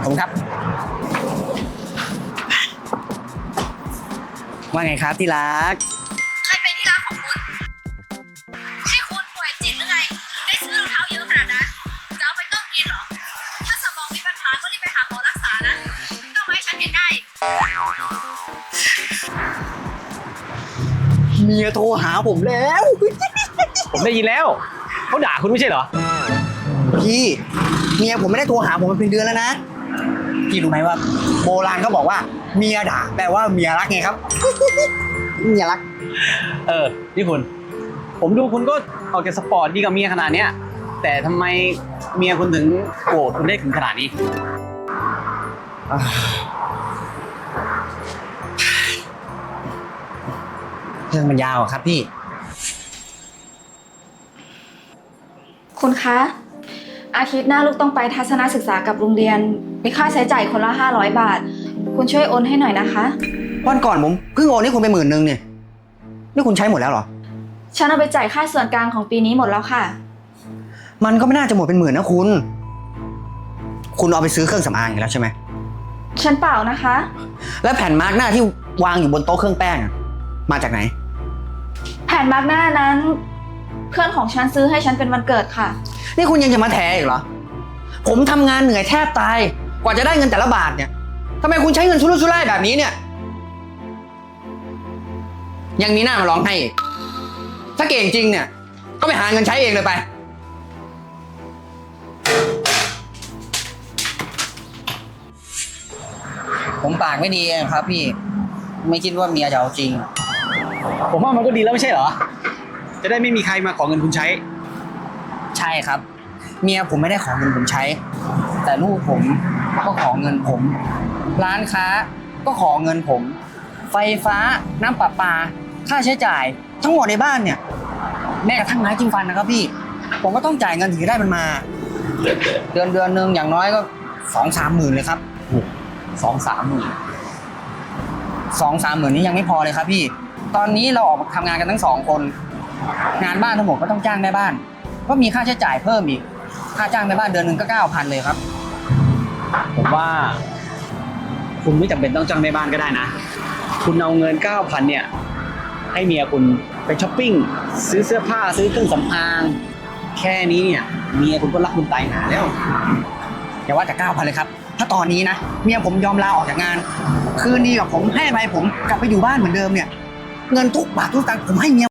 ผมครับว่าไงครับที่รักใครเป็นที่รักของคุณให้คุณป่วยจิตหรือไงได้ซื้อรองเท้าเยอะขนาดนั้นจะเอาไปต้มกินเหรอถ้าสมองมีปัญหาก็รีบไปหาหมอรักษานะต้องให้ฉันเห็นได้เมียโทรหาผมแล้วผมได้ยินแล้วเขาด่าคุณไม่ใช่เหรอพี่เมียผมไม่ได้โทรหาผมมาเป็นเดือนแล้วนะพี่รู้ไหมว่าโบราณเขาบอกว่าเมียด่าแปลว่าเมียรักไงครับ เมียรักนี่คุณผมดูคุณก็ออกจากสปอร์ตดีกับเมียขนาดเนี้ยแต่ทำไมเมียคุณถึงโกรธคุณได้ถึงขนาดนี้เรื่องมันยาวครับพี่คุณคะอาทิตย์หน้าลูกต้องไปทัศนศึกษากับโรงเรียนมีค่าใช้จ่ายคนละ500 บาทคุณช่วยโอนให้หน่อยนะคะวันก่อนผมเพิ่งโอนให้คุณไป10,000เนี่ยนี่คุณใช้หมดแล้วเหรอฉันเอาไปจ่ายค่าส่วนกลางของปีนี้หมดแล้วค่ะมันก็ไม่น่าจะหมดเป็น10,000นะคุณเอาไปซื้อเครื่องสำอางอีกแล้วใช่ไหมฉันเปล่านะคะแล้วแผ่นมาร์กหน้าที่วางอยู่บนโต๊ะเครื่องแป้งมาจากไหนแผ่นมาร์กหน้านั้นเพื่อนของฉันซื้อให้ฉันเป็นวันเกิดค่ะนี่คุณยังจะมาแถอีกเหรอผมทำงานเหนื่อยแทบตายกว่าจะได้เงินแต่ละบาทเนี่ยทำไมคุณใช้เงินชุรุ่ยชุร่ายแบบนี้เนี่ยยังมีหน้ามาร้องให้อีกถ้าเก่งจริงเนี่ยก็ไปหาเงินใช้เองเลยไปผมปากไม่ดีครับพี่ไม่คิดว่าเมียจะเอาจริงผมว่ามันก็ดีแล้วไม่ใช่เหรอจะได้ไม่มีใครมาขอเงินคุณใช้ใช่ครับเมียผมไม่ได้ขอเงินผมใช้แต่ลูกผมก็ขอเงินผมร้านค้าก็ขอเงินผมไฟฟ้าน้ำประปาค่าใช้จ่ายทั้งหมดในบ้านเนี่ยแม้กระทั่งไม้จิ้มฟันนะครับพี่ผมก็ต้องจ่ายเงินถึงจะได้มันมาเดือนนึงอย่างน้อยก็2-3 หมื่นเลยครับ 2-3 หมื่น 2-3 หมื่นนี้ยังไม่พอเลยครับพี่ตอนนี้เราออกมาทำงานกันทั้ง2 คนงานบ้านทั้งหมดก็ต้องจ้างแม่บ้านก็มีค่าใช้จ่ายเพิ่มอีกค่าจ้างแม่บ้านเดือนนึงก็ 9,000 เลยครับผมว่าคุณไม่จำเป็นต้องจ้างแม่บ้านก็ได้นะคุณเอาเงิน 9,000 เนี่ยให้เมียคุณไปช้อปปิ้งซื้อเสื้อผ้าซื้อเครื่องสำอางแค่นี้เนี่ยเมียคุณก็รักคุณตายหาแล้วอย่าว่าแต่ 9,000 เลยครับถ้าตอนนี้นะเมียผมยอมลาออกจากงานคืนนี้กับผมให้ไปผมกลับไปอยู่บ้านเหมือนเดิมเนี่ยเงินทุกบาททุกสตางค์ผมให้เมีย